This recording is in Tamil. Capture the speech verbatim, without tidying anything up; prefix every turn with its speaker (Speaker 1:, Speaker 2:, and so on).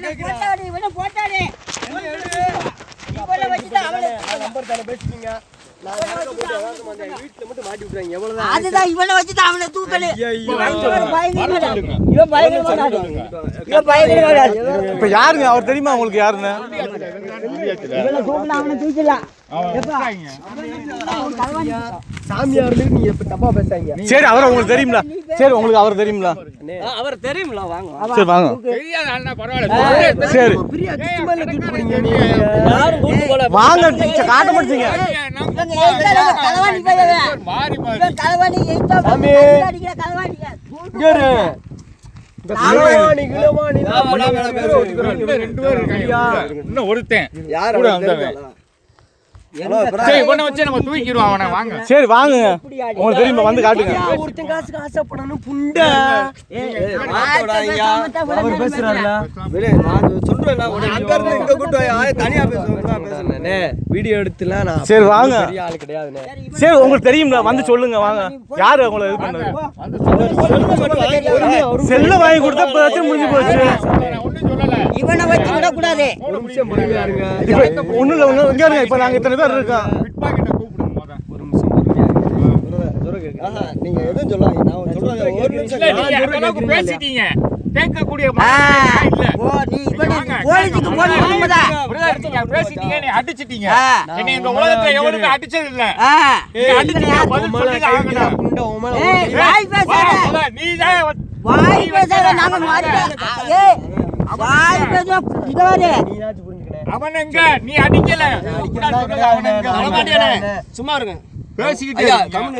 Speaker 1: போட்டாடி இவனை போட்டாடி இவனை வச்சுட்டு அவளை
Speaker 2: நம்பர் தான பேசிட்டீங்க நான் வீட்ல மட்டும் மாட்டி விட்டுறாங்க எவ்வளவுதான்
Speaker 1: அதுதான் இவனை வச்சுட்டு அவனை தூக்கல இவன் பயங்கரமா இவன் பயங்கரமா
Speaker 3: இப்ப யாருங்க அவர் தெரியுமா உங்களுக்கு யாருன்னு
Speaker 1: இவனை தூக்கல அவனை தூக்கலாம்
Speaker 2: சாமியார் நீங்க இப்ப தப்பா பேசாதீங்க
Speaker 3: சரி அவர் உங்களுக்கு தெரியுங்களா சரி உங்களுக்கு அவர் தெரியுங்களா
Speaker 2: அவர் தெரியும்ல வாங்க
Speaker 3: சரி வாங்க
Speaker 4: தெரியாத அண்ணா பரவாயில்லை
Speaker 3: சரி
Speaker 2: பிரியா சும்மால தூக்கி போறீங்க நீங்க யாரும் கூட்டி போல
Speaker 3: வாங்க காட்ட மாட்டீங்க
Speaker 1: இவங்க ஏய்தால கலவாணி பையன்
Speaker 4: மாறி மாறி
Speaker 1: இவன் கலவாணி ஏய்தா
Speaker 2: சாமி.
Speaker 1: அடிக்கிற கலவாணிங்க
Speaker 2: இங்கரு இந்த கிலவாணி கிலவாணி
Speaker 4: ரெண்டு பேர் இருக்காங்க இன்னும் ஒருத்தன்
Speaker 2: யார்
Speaker 4: கூட வந்தவன் சரி இவனை வச்சு நம்ம தூக்கிடுவோம் அவனை வாங்க
Speaker 3: சரி வாங்க உங்களுக்கு தெரியுமா வந்து காட்டுங்க
Speaker 2: ஒருத்தன் காசுக்கு ஆசைப்படணும் புண்டை அவர் பேசுறாருல நான் சொல்றேன் அங்க இருந்து இங்க கூட்டு தனியா பேசுறேன் வீடியோ எடுத்துலாம் நான்
Speaker 3: சரி வாங்க
Speaker 2: பெரிய ஆளு கிடையாதுனே
Speaker 3: சரி உங்களுக்கு தெரியுங்களா வந்து சொல்லுங்க வாங்க யாரு உங்களை இது பண்ணது செல்ல வாங்கி கொடுத்தா பிரச்சனை முடிஞ்சு போச்சு
Speaker 4: ஒன்றும் சொல்லல
Speaker 1: இவனை வச்சு விட கூடாது
Speaker 2: ஒரு நிமிஷம் பொறுமையா இருங்க
Speaker 3: இப்ப ஒண்ணும் இல்ல ஒண்ணு இங்க இருங்க இப்ப நாங்க இத்தனை பேர் இருக்கோம்
Speaker 4: பிட்பாக்கெட்டை கூப்பிடுங்க முத
Speaker 2: ஒரு நிமிஷம் பொறுமையா ஆஹா நீங்க எதுவும் சொல்லாதீங்க நான் சொல்றேன் ஒரு நிமிஷம்
Speaker 4: இல்ல நீங்க அந்த அளவுக்கு பேசிட்டீங்க கேட்கக்கூடிய
Speaker 1: ஆ,
Speaker 4: மனநிலை இல்ல
Speaker 1: ஓ நீ இவனை போலீஸுக்கு போன் பண்ணும்போதா
Speaker 4: பிரதர், நீங்க பேசிட்டீங்க நீ அடிச்சிட்டீங்க
Speaker 1: ஆ.
Speaker 4: என்னை இந்த உலகத்துல எவனுமே அடிச்சது இல்ல
Speaker 1: ஆ
Speaker 4: நீங்க அடிச்சீங்க பதில் சொல்லி ஆகணும்
Speaker 2: புண்டை உமல
Speaker 1: ஏய் வாய் பேசாத
Speaker 4: நீ தான்
Speaker 1: வாய் பேசாத நாங்க மாறிட்டோம் ஏய் வாய் பேச இங்க வாரு
Speaker 2: நீயாச்சும் புரிஞ்சுக்கணே
Speaker 4: அவன் எங்க நீ அடிக்கல அவன் எங்க வரமாட்டியானே
Speaker 2: சும்மா இருங்க
Speaker 4: பேசிக்கிட்டே